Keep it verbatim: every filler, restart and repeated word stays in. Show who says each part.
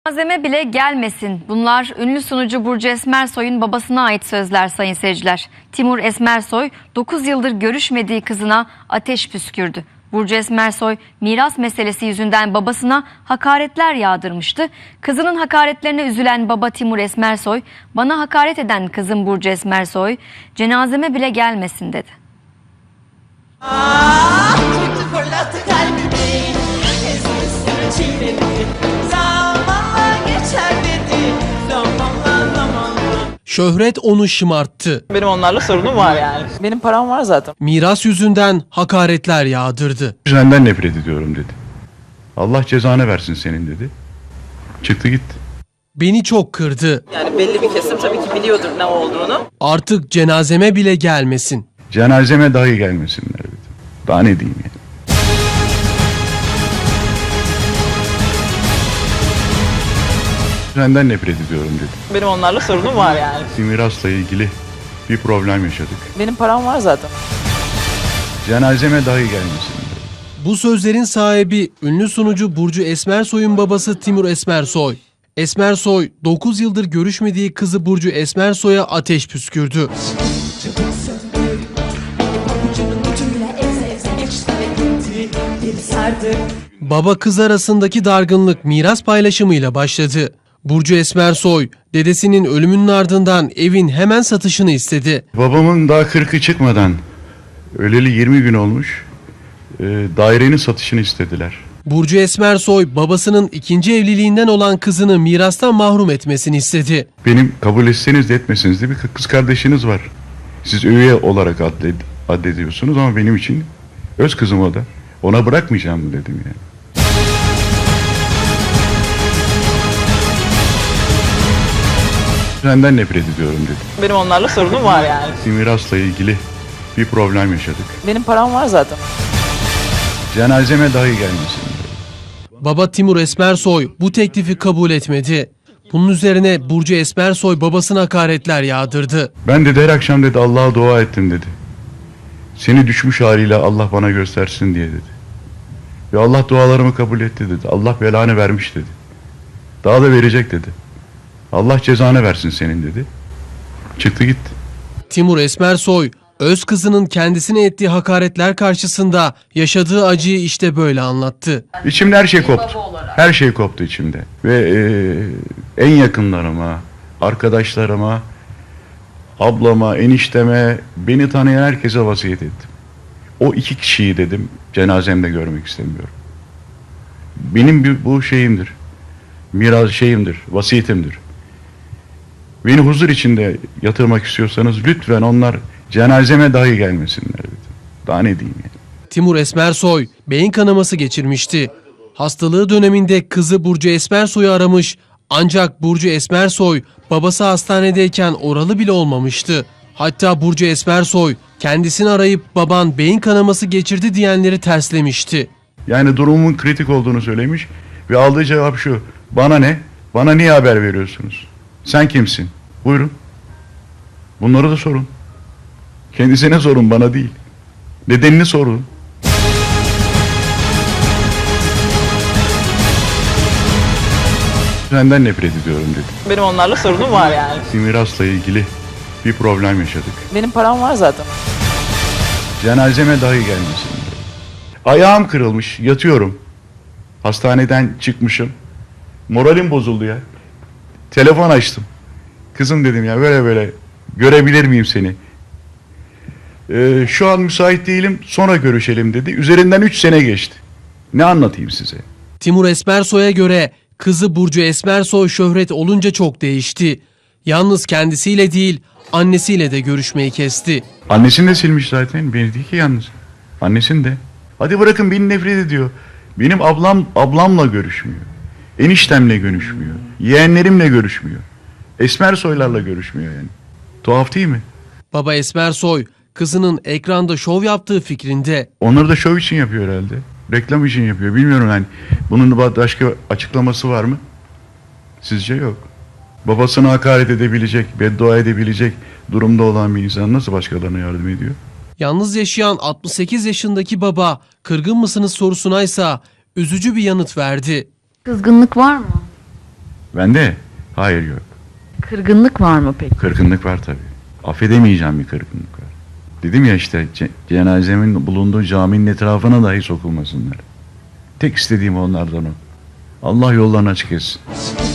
Speaker 1: Malzeme bile gelmesin. Bunlar ünlü sunucu Burcu Esmersoy'un babasına ait sözler sayın seyirciler. Timur Esmersoy dokuz yıldır görüşmediği kızına ateş püskürdü. Burcu Esmersoy miras meselesi yüzünden babasına hakaretler yağdırmıştı. Kızının hakaretlerine üzülen baba Timur Esmersoy, "Bana hakaret eden kızım Burcu Esmersoy cenazeme bile gelmesin" dedi.
Speaker 2: Ah, kötü fırlattı kalbimi, ezmişsin çiğnedi, zamanla geçer dedi, zamanla zamanla.
Speaker 3: Şöhret onu şımarttı.
Speaker 4: Benim onlarla sorunum var yani. Benim param var zaten.
Speaker 3: Miras yüzünden hakaretler yağdırdı.
Speaker 5: Senden nefret ediyorum dedi. Allah cezanı versin senin dedi. Çıktı gitti.
Speaker 3: Beni çok kırdı.
Speaker 4: Yani belli bir kesim tabii ki biliyordur ne olduğunu.
Speaker 3: Artık cenazeme bile gelmesin.
Speaker 5: Cenazeme dahi gelmesinler dedi. Daha ne diyeyim yani. Senden nefret ediyorum dedi.
Speaker 4: Benim onlarla sorunum var yani.
Speaker 5: Mirasla ilgili bir problem yaşadık.
Speaker 4: Benim param var zaten.
Speaker 5: Cenazeme dahi gelmesin.
Speaker 3: Bu sözlerin sahibi ünlü sunucu Burcu Esmersoy'un babası Timur Esmersoy. Esmersoy dokuz yıldır görüşmediği kızı Burcu Esmersoy'a ateş püskürdü. Baba kız arasındaki dargınlık miras paylaşımıyla başladı. Burcu Esmersoy, dedesinin ölümünün ardından evin hemen satışını istedi.
Speaker 5: Babamın daha kırkı çıkmadan, öleli yirmi gün olmuş, e, dairenin satışını istediler.
Speaker 3: Burcu Esmersoy, babasının ikinci evliliğinden olan kızını mirastan mahrum etmesini istedi.
Speaker 5: Benim kabul etseniz de etmeseniz de bir kız kardeşiniz var. Siz üye olarak added addediyorsunuz ama benim için öz kızım o da. Ona bırakmayacağım mı dedim yani. Senden nefret ediyorum dedi.
Speaker 4: Benim onlarla sorunum var yani.
Speaker 5: Mirasla ilgili bir problem yaşadık.
Speaker 4: Benim param var zaten.
Speaker 5: Cenazeme dahi gelmesin.
Speaker 3: Baba Timur Esmersoy bu teklifi kabul etmedi. Bunun üzerine Burcu Esmersoy babasına hakaretler yağdırdı.
Speaker 5: Ben dedi her akşam dedi Allah'a dua ettim dedi. Seni düşmüş haliyle Allah bana göstersin diye dedi. Ve Allah dualarımı kabul etti dedi. Allah belanı vermiş dedi. Daha da verecek dedi. Allah cezanı versin senin dedi. Çıktı gitti.
Speaker 3: Timur Esmersoy, öz kızının kendisine ettiği hakaretler karşısında yaşadığı acıyı işte böyle anlattı.
Speaker 5: İçimde her şey koptu. Her şey koptu içimde. Ve e, en yakınlarıma, arkadaşlarıma, ablama, enişteme, beni tanıyan herkese vasiyet ettim. O iki kişiyi dedim cenazemde görmek istemiyorum. Benim bir, bu şeyimdir. Miras şeyimdir, vasiyetimdir. Beni huzur içinde yatırmak istiyorsanız lütfen onlar cenazeme dahi gelmesinler dedim. Daha ne diyeyim yani.
Speaker 3: Timur Esmersoy beyin kanaması geçirmişti. Hastalığı döneminde kızı Burcu Esmersoy'u aramış ancak Burcu Esmersoy babası hastanedeyken oralı bile olmamıştı. Hatta Burcu Esmersoy kendisini arayıp baban beyin kanaması geçirdi diyenleri terslemişti.
Speaker 5: Yani durumumun kritik olduğunu söylemiş ve aldığı cevap şu: bana ne? Bana niye haber veriyorsunuz? Sen kimsin? Buyurun. Bunları da sorun. Kendisine sorun, bana değil. Nedenini sorun. Senden nefret ediyorum dedi.
Speaker 4: Benim onlarla sorunum var yani.
Speaker 5: Mirasla ilgili bir problem yaşadık.
Speaker 4: Benim param var zaten.
Speaker 5: Cenazeme dahi gelmesin. Ayağım kırılmış, yatıyorum. Hastaneden çıkmışım. Moralim bozuldu ya. Telefon açtım. Kızım dedim ya böyle böyle görebilir miyim seni? Ee, şu an müsait değilim, sonra görüşelim dedi. Üzerinden üç sene geçti. Ne anlatayım size?
Speaker 3: Timur Esmersoy'a göre kızı Burcu Esmersoy şöhret olunca çok değişti. Yalnız kendisiyle değil, annesiyle de görüşmeyi kesti.
Speaker 5: Annesini de silmiş zaten, beni değil ki yalnız. Annesini de. Hadi bırakın, beni nefret ediyor. Benim ablam ablamla görüşmüyor. Eniştemle görüşmüyor. Yeğenlerimle görüşmüyor. Esmersoylarla görüşmüyor yani. Tuhaf değil mi?
Speaker 3: Baba Esmersoy kızının ekranda şov yaptığı fikrinde.
Speaker 5: Onları da şov için yapıyor herhalde. Reklam için yapıyor. Bilmiyorum yani. Bunun başka açıklaması var mı? Sizce yok. Babasına hakaret edebilecek, beddua edebilecek durumda olan bir insan nasıl başkalarına yardım ediyor?
Speaker 3: Yalnız yaşayan altmış sekiz yaşındaki baba kırgın mısınız sorusuna ise üzücü bir yanıt verdi.
Speaker 1: Kızgınlık var mı?
Speaker 5: Bende? Hayır, yok.
Speaker 6: Kırgınlık var mı peki?
Speaker 5: Kırgınlık var tabii. Affedemeyeceğim bir kırgınlık var. Dedim ya işte ce- cenazemin bulunduğu caminin etrafına dahi sokulmasınlar. Tek istediğim onlardan o. Allah yollarını açık etsin.